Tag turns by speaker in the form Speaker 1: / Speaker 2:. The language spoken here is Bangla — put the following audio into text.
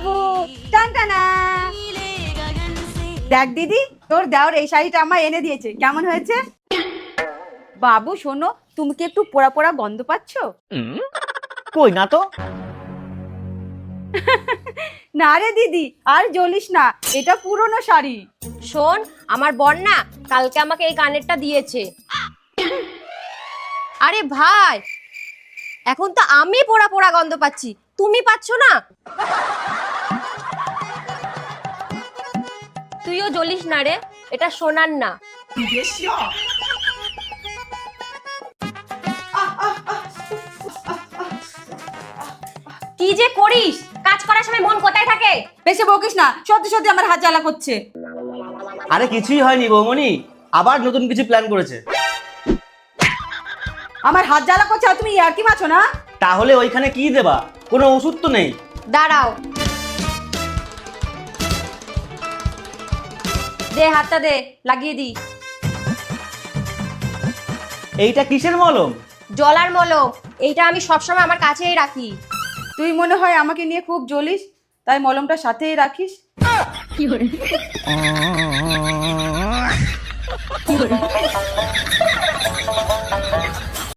Speaker 1: বাবু টানটানা। দেখ দিদি, তোর দেওর এই শাড়িটা আমার এনে দিয়েছে, কেমন হয়েছে? বাবু শোনো, তুমি কি একটু পোড়া পোড়া গন্ধ পাচ্ছ?
Speaker 2: কই না তো।
Speaker 1: না রে দিদি, আর জ্বলিস না, এটা পুরনো শাড়ি।
Speaker 3: শোন, আমার বর না কালকে আমাকে এই কানেরটা দিয়েছে। আরে ভাই, এখন তো আমি পোড়া পোড়া গন্ধ পাচ্ছি, তুমি পাচ্ছ না? তুইও জ্বলিস না রে, এটা সোনার না। কি যে করিস, কাজ করার সময় মন কোথায় থাকে?
Speaker 1: বেশি বকিস না, সত্যি সত্যি আমার হাত জ্বালা করছে।
Speaker 2: আরে কিছুই হয়নি বৌমনি, আবার নতুন কিছু প্ল্যান করেছে।
Speaker 1: আমার হাত জ্বালা করছে আর তুমি ইয়ার্কি মারছো না?
Speaker 2: তাহলে ওইখানে কি দেবা? কোনো ওষুধ তো নেই।
Speaker 3: দাঁড়াও, দে হাতটা দে, লাগিয়ে দি।
Speaker 2: এইটা কিসের মলম?
Speaker 3: জলার মলম, এইটা আমি সবসময় আমার কাছেই রাখি।
Speaker 1: তুই মনে হয় আমাকে নিয়ে খুব জ্বলিস, তাই মলমটা সাথেই রাখিস।